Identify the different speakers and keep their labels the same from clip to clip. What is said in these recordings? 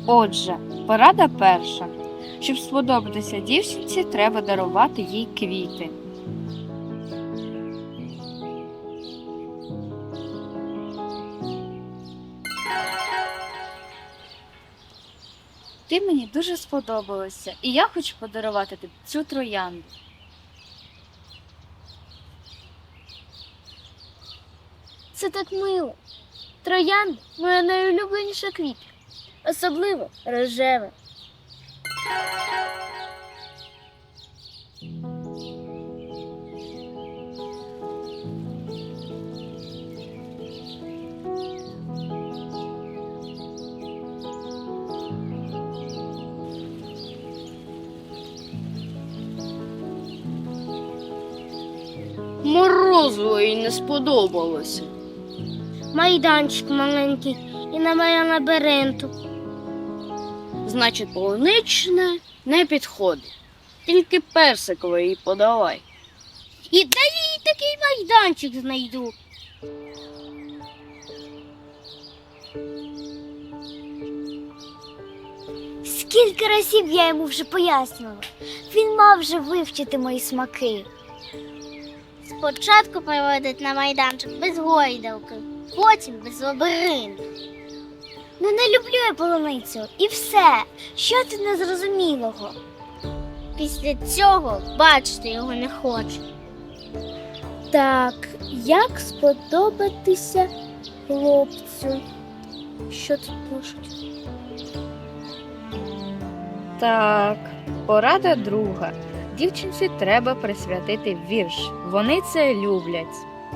Speaker 1: Отже, порада перша. Щоб сподобатися дівчинці, треба дарувати їй квіти. Ти мені дуже сподобалася, і я хочу подарувати тобі цю троянду.
Speaker 2: Це так мило. Троянда – моя найулюбленіша квітка. Особливо рожева.
Speaker 3: Морозиво їй не сподобалося.
Speaker 2: Майданчик маленький і немає лабіринту.
Speaker 3: Значить, полуничне не підходить. Тільки персикове їй подавай.
Speaker 2: І де я їй такий майданчик знайду? Скільки разів я йому вже пояснювала. Він мав вже вивчити мої смаки. Спочатку приводить на майданчик без гойдалки, потім без лабіринту. Ну не люблю я полуницю і все. Що ти незрозумілого? Після цього бачити його не хочу. Так, як сподобатися хлопцю? Що тут пишуть?
Speaker 1: Так, порада друга. Дівчинці треба присвятити вірш. Вони це люблять.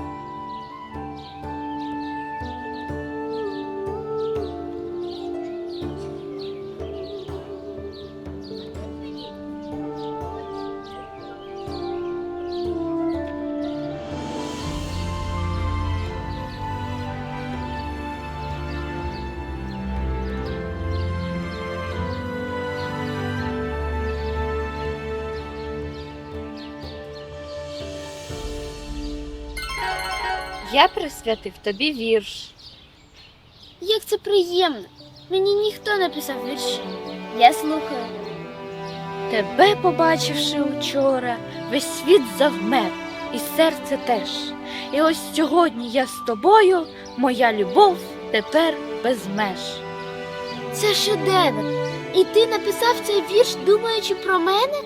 Speaker 1: Я присвятив тобі вірш.
Speaker 2: Як це приємно. Мені ніхто не писав вірші. Я слухаю.
Speaker 1: Тебе, побачивши учора, весь світ завмер, і серце теж. І ось сьогодні я з тобою, моя любов тепер без меж.
Speaker 2: Це шедевр. І ти написав цей вірш, думаючи про мене?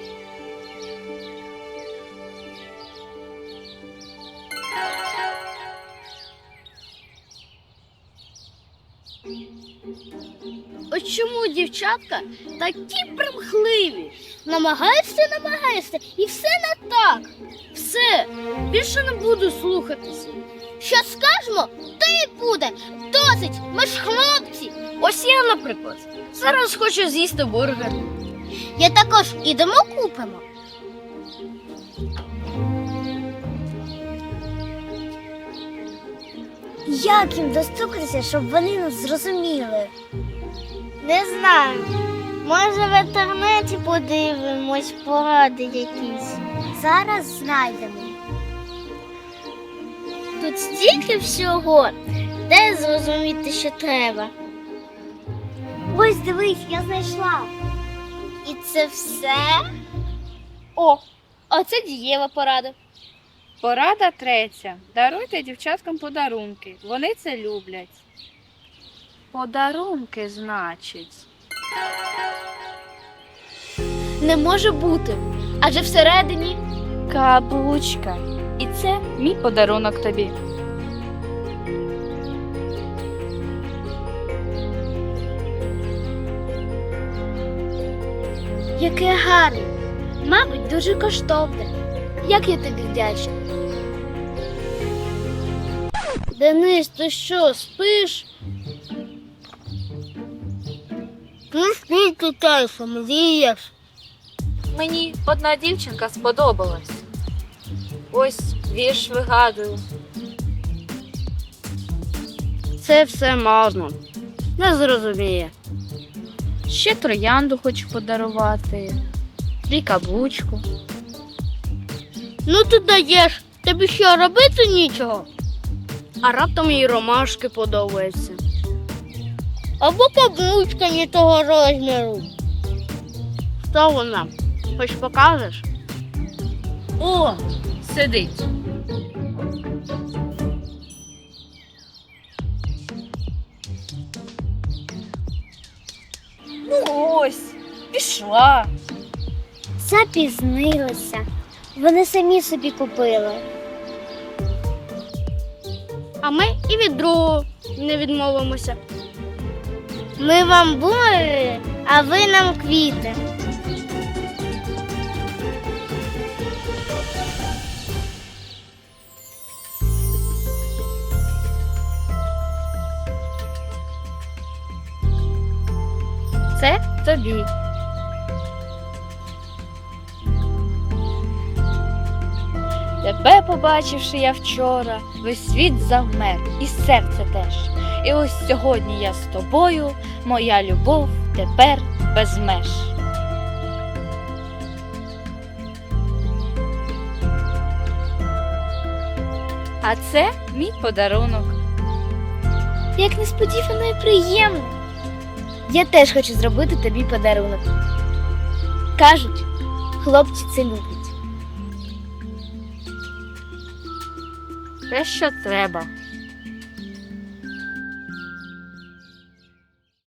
Speaker 3: Ось чому дівчатка такі примхливі?
Speaker 2: Намагаєшся, і все не так.
Speaker 3: Все, більше не буду слухатися.
Speaker 2: Що скажемо, то і буде. Досить, ми ж хлопці.
Speaker 3: Ось я, наприклад, зараз хочу з'їсти бургер.
Speaker 2: Я також ідемо купимо. Як їм достукатися, щоб вони нас зрозуміли? Не знаю. Може, в інтернеті подивимось, поради якісь. Зараз знайдемо. Тут стільки всього, де зрозуміти, що треба. Ось дивись, я знайшла. І це все?
Speaker 3: О, а це дієва порада.
Speaker 1: Порада третя. Даруйте дівчаткам подарунки. Вони це люблять. Подарунки, значить.
Speaker 2: Не може бути. Адже всередині
Speaker 1: Каблучка. І це мій подарунок тобі.
Speaker 2: яке гарне. Мабуть, дуже коштовне. Як я тобі вдячна.
Speaker 3: Денис, ти що, спиш?
Speaker 2: Ну, скільки часу мрієш?
Speaker 1: Мені одна дівчинка сподобалась. Ось вірш вигадую.
Speaker 3: Це все марно. Не зрозуміє.
Speaker 1: Ще троянду хочу подарувати. І каблучку.
Speaker 3: Ну ти даєш, тобі що, робити нічого? А раптом їй ромашки подобаються. Або каблучка не того розміру. Хто вона? Хоч покажеш?
Speaker 1: О, сидить. Ну ось, пішла.
Speaker 2: Запізнилася. Вони самі собі купили.
Speaker 3: А ми і від другого не відмовимося.
Speaker 2: Ми вам бумери, а ви нам квіти.
Speaker 1: Це тобі. Тебе побачивши я вчора, весь світ завмер, і серце теж. І ось сьогодні я з тобою, моя любов тепер без меж. А це мій подарунок.
Speaker 2: Як несподівано і приємно. Я теж хочу зробити тобі подарунок. Кажуть, хлопці це люблять.
Speaker 1: Те, що треба.